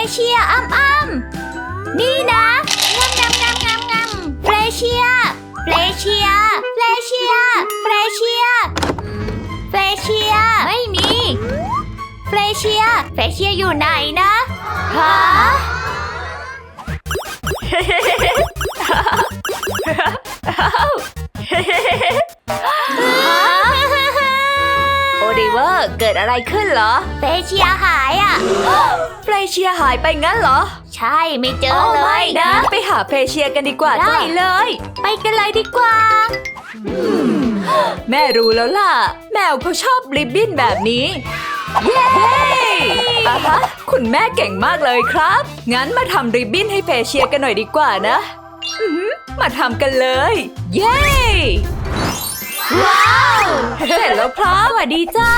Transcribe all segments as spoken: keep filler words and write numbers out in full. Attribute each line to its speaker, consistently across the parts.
Speaker 1: เชียอ้ำอ้ำนี่นะงำงำงำงำงำเฟรเชียเฟรเชียเฟรเชียเฟรเชียเฟรเชียไม่มีเฟรเชียเฟรเชียอยู่ไหนนะฮะโอลิเวอร์เกิดอะไรขึ้นเหรอเฟรเชียหายอ่ะเฟรเชียหายไปงั้นเหรอใช่ไม่เจอเลยนะไปหาเฟรเชียกันดีกว่าได้เลยไปกันเลยดีกว่าแม่รู้แล้วล่ะแมวเขาชอบริบบิ้นแบบนี้เย้อ่ะฮะคุณแม่เก่งมากเลยครับงั้นมาทำริบบิ้นให้เฟรเชียกันหน่อยดีกว่านะมาทำกันเลยเย้ว้าวเสร็จแล้วครับสวัสดีจ้า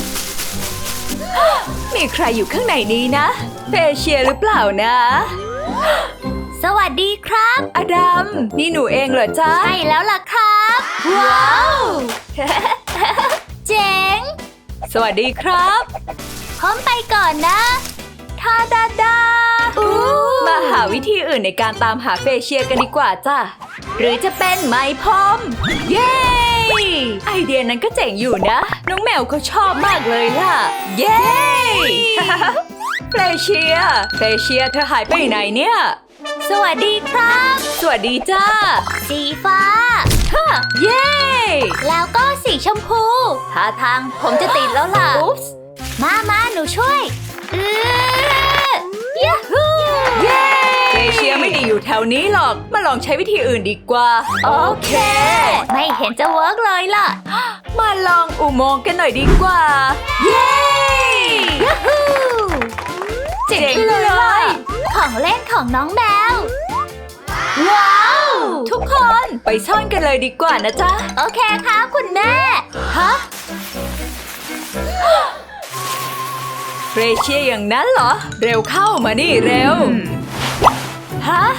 Speaker 1: มีใครอยู่ข้างในนี้นะเฟรเชียหรือเปล่านะสวัสดีครับอดัมนี่หนูเองเหรอจ้าใช่แล้วล่ะครับว้าวเจ๋งสวัสดีครับพร้อมไปก่อนนะทาดาดามาหาวิธีอื่นในการตามหาเฟรเชียกันดีกว่าจ้าหรือจะเป็นไม้พรมเย้ไอเดียนั้นก็เจ๋งอยู่นะน้องแมวเขาชอบมากเลยล่ะเย้เฟรเชียเฟรเชียเธอหายไปไหนเนี่ยสวัสดีครับสวัสดีจ้าสีฟ้าฮะเย้แล้วก็สีชมพูท่าทางผมจะติดแล้วล่ะมามาหนูช่วยเออยูฮูเย้เฟรเชียไม่ได้อยู่แถวนี้หรอกมาลองใช้วิธีอื่นดีกว่าโอเคไม่เห็นจะเวิร์กเลยล่ะมาลองอุโมงค์กันหน่อยดีกว่าเย้ยูฮูเจ๋งเลยของเล่นของน้องแมวว้าวทุกคนไปซ่อนกันเลยดีกว่านะจ๊ะโอเคครับคุณแม่ฮะเฟรเชียอย่างนั้นเหรอเร็วเข้ามานี่เร็วฮะ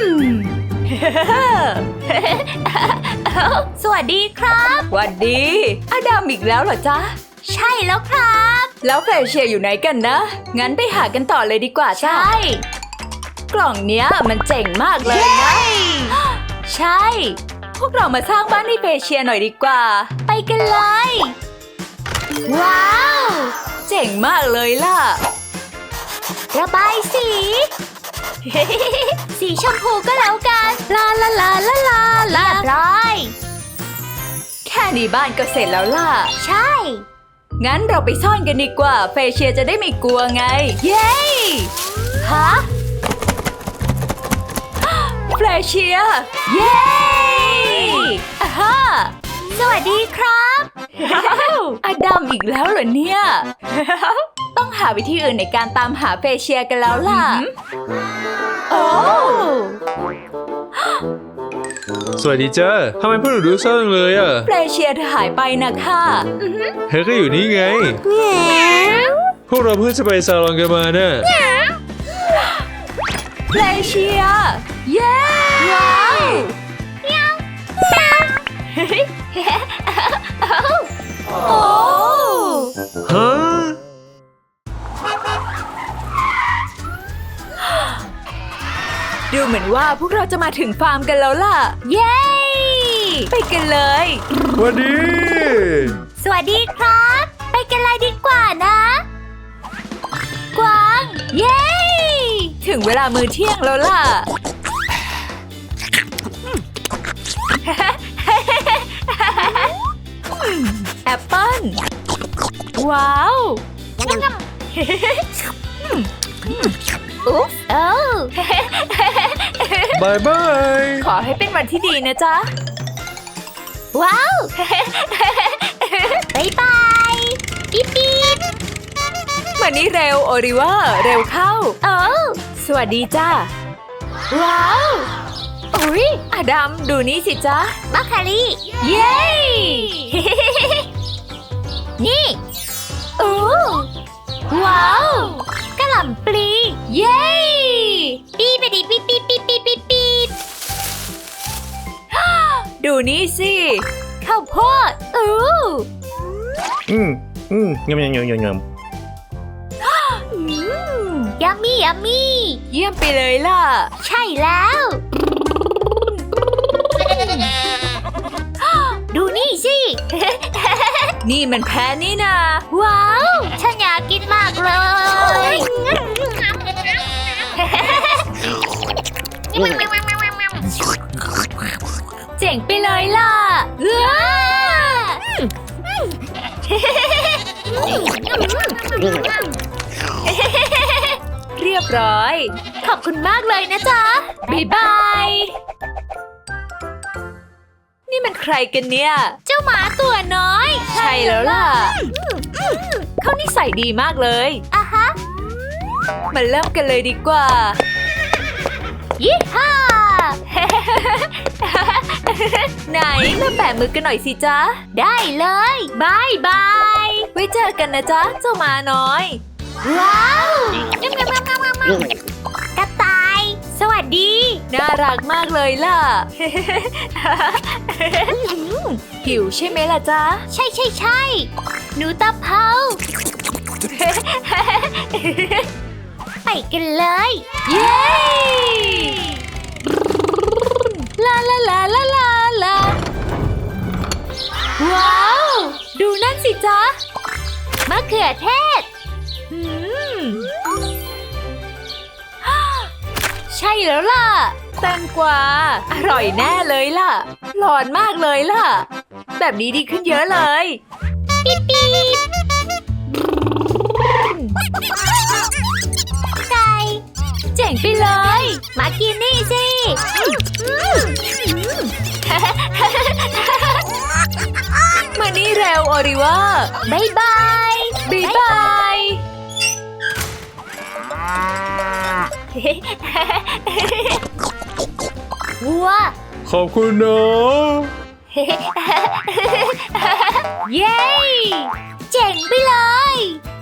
Speaker 1: สวัสดีครับสวัสดีอดัมอีกแล้วเหรอจ๊ะใช่แล้วครับแล้วเฟรเชียอยู่ไหนกันนะงั้นไปหากันต่อเลยดีกว่าใช่กล่องเนี้ยมันเจ๋งมากเลยนะใช่พวกเรามาสร้างบ้านให้เฟรเชียหน่อยดีกว่าไปกันเลยว้าวเจ๋งมากเลยล่ะระบายสี สีชมพูก็แล้วกันลาลาลาลาลาลาร้อยแค่นี้บ้านก็เสร็จแล้วล่ะใช่งั้นเราไปซ่อนกันดีกว่าเฟรเชียจะได้ไม่กลัวไงเย้ฮะเฟรเชียเย้อ่าฮะสวัสดีครับอดัมอีกแล้วเหรอเนี่ยต้องหาวิธีอื่นในการตามหาเฟรเชียกันแล้วล่ะโอ้
Speaker 2: สวัสดีจ้าทำไมพวกหนูดูเศร้าจังเลยอ่ะ
Speaker 1: เฟรเชียเธอหายไปนะค่ะ
Speaker 2: เธอก็อยู่นี่ไงพวกเราเพิ่งจะไปซาลอนกันมาน่ะ
Speaker 1: เฟรเชียเย้ว้าวโอ้
Speaker 2: ฮะ
Speaker 1: ดูเหมือนว่าพวกเราจะมาถึงฟาร์มกันแล้วล่ะเย้ไปกันเลย
Speaker 2: สวัสดี
Speaker 1: สวัสดีครับไปกันเลยดีกว่านะกวางเย้ถึงเวลามื้อเที่ยงแล้วล่ะแอปเปิ้ลว้าวอุ๊บโอ้
Speaker 2: บายบาย
Speaker 1: ขอให้เป็นวันที่ดีนะจ๊ะว้าวบายบายปิ๊บปิ๊บมานี่เร็วโอลิเวอร์เร็วเข้าโอ้สวัสดีจ้าว้าวอุ๊ยอดัมดูนี่สิจ๊ะบัคคารี่เย้นี่โอ้ว้าวกะหล่ำปลีเย้ปี๊บปี๊บปี๊บปี๊บปี๊บปี๊บปี๊บปี๊บดูนี่สิข้าวโพดอู้
Speaker 2: อืมอืมยำยำยำยำยำ
Speaker 1: อืมยัมมี่ยัมมี่เยี่ยมไปเลยล่ะ ใช่แล้ว ดูนี่สิ นี่มันแพ้นี่นาว้าว ฉันอยากกินมากเลย เจ๋งไปเลยล่ะว้าเรียบร้อย ขอบคุณมากเลยนะจ๊ะ บ๊ายบาย นี่มันใครกันเนี่ย เจ้าหมาตัวน้อย ใช่แล้วล่ะ เขานิสัยดีมากเลยอ่ะฮะ มาเริ่มกันเลยดีกว่า ยี่ห้า ไหนมาแปะมือกันหน่อยสิจ๊ะ ได้เลยบายบาย ไว้เจอกันนะจ๊ะ เจ้าหมาน้อย ว้าวกระต่าย สวัสดี น่ารักมากเลยล่ะ หิวใช่ไหมล่ะจ๊ะ ใช่ใช่ใช่หนูตาเภา ไปกันเลย เย้ ลาลาลาลาลาลาว้าว ดูนั่นสิจ๊ะมะเขือเทศอืม ใช่แล้วล่ะ แตงกวาอร่อยแน่เลยล่ะร้อนมากเลยล่ะ แบบนี้ดีขึ้นเยอะเลยปิ๊บปิ๊บไก่เจ๋งไปเลย มากินนี่สิ มานี่เร็วโอริว่าบายบายบายบายวัว
Speaker 2: ขอบคุณนะ
Speaker 1: เย้ เจ๋งไปเลย